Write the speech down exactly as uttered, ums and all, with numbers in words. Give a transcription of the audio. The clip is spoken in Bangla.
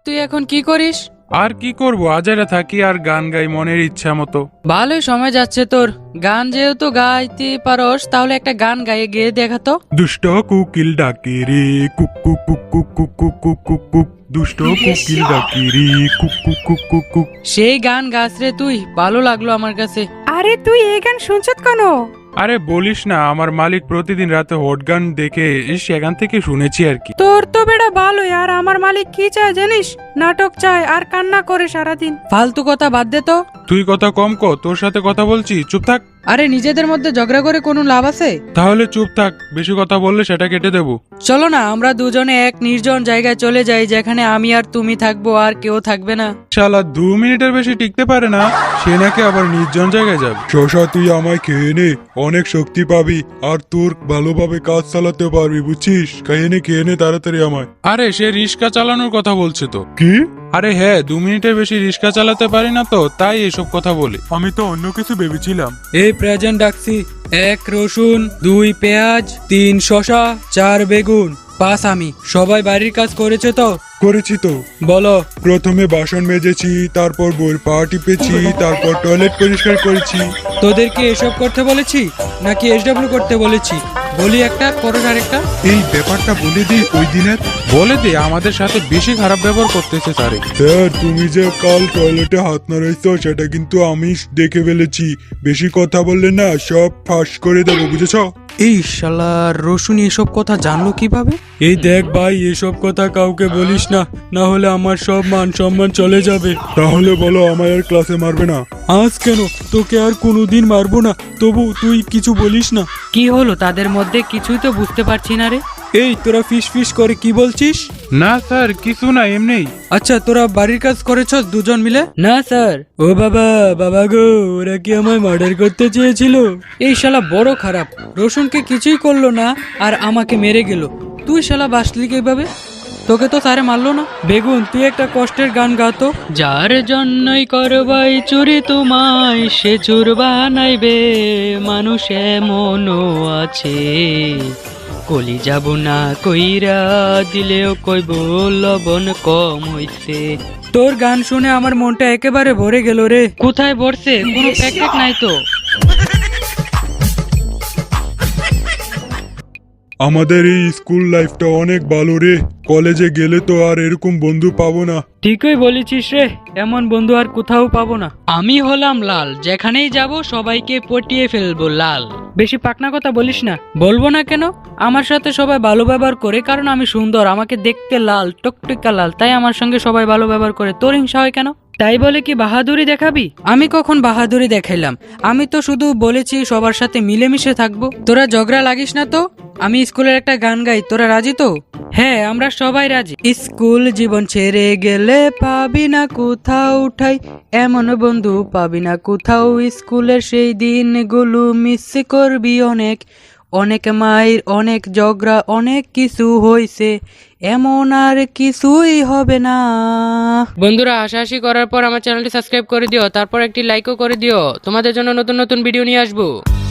তুই এখন কি করিস? আর কি করব, আজারে থাকি আর গান গাই মনের ইচ্ছা মতো। ভালোই সময় যাচ্ছে তোর। গান যেহেতু গাইতে পারস তাহলে একটা গান গাইয়ে গিয়ে দেখাতো। দুষ্ট কুকিল ডাকে রে কুক কুক কুক কুক কুক কুক কুক কুক কুক, দুষ্ট কুকিল ডাকে রে কুক কুক কুক কুক কুক। সেই গান গাছ রে তুই, ভালো লাগলো আমার কাছে। আরে তুই এই গান শুনছত কেন? আরে বলিস না, আমার মালিক প্রতিদিন রাতে হট গান দেখে সেখান থেকে শুনেছি আর কি। তোর তো বেটা ভালোই, আর আমার মালিক কি চায় জানিস? নাটক চায় আর কান্না করে সারাদিন। ফালতু কথা বাদ দে তো। তুই কথা কম ক, তোর সাথে কথা বলছি, চুপ থাক। আরে নিজেদের মধ্যে ঝগড়া করে কোনো লাভ আছে? তাহলে চুপ থাক, বেশি কথা বললে সেটা কেটে দেবো। চলো না আমরা দুজনে এক নির্জন জায়গায় চলে যাই, যেখানে আমি আর তুমি থাকবো, আর কেউ থাকবে না। শালা দু মিনিটের বেশি টিকতে পারে না, সে নাকি আবার নির্জন জায়গায় যাবে। শশা তুই আমায় খেয়ে নে, অনেক শক্তি পাবি আর তোর ভালোভাবে কাজ চালাতে পারবি, বুঝছিস? খেয়ে নে খেয়ে নে তাড়াতাড়ি আমায়। আরে সে রিস্কা চালানোর কথা বলছে তো। কি? আরে হ্যাঁ, দু মিনিটের বেশি রিস্কা চালাতে পারি না তো, তাই এসব কথা বলি। আমি তো অন্য কিছু ভেবেছিলাম। এই প্রেজেন্ট ডাকছি। এক রসুন, দুই পেঁয়াজ, তিন শসা, চার বেগুন, পাঁচ আমি। সবাই বাড়ির কাজ করেছে তো? করেছি তো। বলো। প্রথমে বাসন মেজেছি, তারপর বইয়ের পা টিপেছি, তারপর টয়লেট পরিষ্কার করেছি। তোদেরকে এসব করতে বলেছি নাকি এসডব্লিউ করতে বলেছি? বলি একটা, করো আরেকটা। এই ব্যাপারটা বলে দিই ওই দিনের। বলে দে, আমাদের সাথে বেশি খারাপ ব্যবহার করতেছে স্যার। স্যার তুমি যে কাল টয়লেটে হাত নাড়াইছো সেটা কিন্তু আমি দেখে ফেলেছি। বেশি কথা বললে না সব ফাঁস করে দেবো, বুঝেছ? এই শালার রসুন এসব কথা জানলো কিভাবে? এই দেখ ভাই, এসব কথা কাউকে বলিস না, না হলে আমার সব মান সম্মান চলে যাবে। তাহলে বলো, আমায় আর ক্লাসে মারবে না? আজ কেন? তোকে আর কোনোদিন মারবো না, তবু তুই কিছু বলিস না। কি হলো তাদের মধ্যে? কিছুই তো বুঝতে পারছি না রে। এই তোরা ফিস ফিস করে কি বলছিস? না স্যার, কিছু না, এমনি। আচ্ছা তোরা বাড়ির কাজ করেছ দুজন মিলে? না স্যার। ও বাবা, বাবা গো, ওরা কি আমায় মার্ডার করতে চেয়েছিল? এই শালা বড় খারাপ, রসুনকে কিছুই করলো না আর আমাকে মেরে গেল। তুই শালা বাসলি কিভাবে? তোকে তো স্যারে মারলো না। বেগুন তুই একটা কষ্টের গান গাতো। যার জন্যই করবাই চুরি তোমায়, সে চুর বানাইবে মানুষ এমনও আছে। কলি যাব না কইরা দিলেও কইব লবণ কম হইছে। তোর গান শুনে আমার মনটা একেবারে ভরে গেল রে। কোথায় ভরছে? কোনো প্যাকেট নাই তো। আমাদের এই স্কুল লাইফটা অনেক ভালো রে, কলেজে গেলে তো আর এরকম বন্ধু পাবো না। ঠিকই বলেছিস রে, এমন বন্ধু আর কোথাও পাবো না। আমি হলাম লাল, যেখানেই যাব সবাইকে পটিয়ে ফেলবো লাল। বেশি পাকনা কথা বলিস না। বলবো না কেন? আমার সাথে সবাই ভালো ব্যবহার করে, কারণ আমি সুন্দর, আমাকে দেখতে লাল টকটকা লাল, তাই আমার সঙ্গে সবাই ভালো ব্যবহার করে। তোর হিংসা হয় কেন? তাই বলে কি বাহাদুরি দেখাবি? আমি কখন বাহাদুরি দেখাইলাম? আমি তো শুধু বলেছি সবার সাথে মিলেমিশে থাকবো। তোরা ঝগড়া লাগিস না তো। আমি স্কুলের একটা গান গাই, তোরা রাজি তো? হ্যাঁ আমরা সবাই রাজি। স্কুল জীবন ছেড়ে গেলে পাবি না কোথাও ঠাই, এমন বন্ধু পাবি না কোথাও। স্কুলের সেই দিনগুলো মিস করবি অনেক, অনেক মায়ের, অনেক ঝগড়া, অনেক কিছু হয়েছে, এমন আর কিছুই হবে না। বন্ধুরা, হাসাহাসি করার পর আমার চ্যানেলটি সাবস্ক্রাইব করে দিও, তারপর একটি লাইকও করে দিও। তোমাদের জন্য নতুন নতুন ভিডিও নিয়ে আসবো।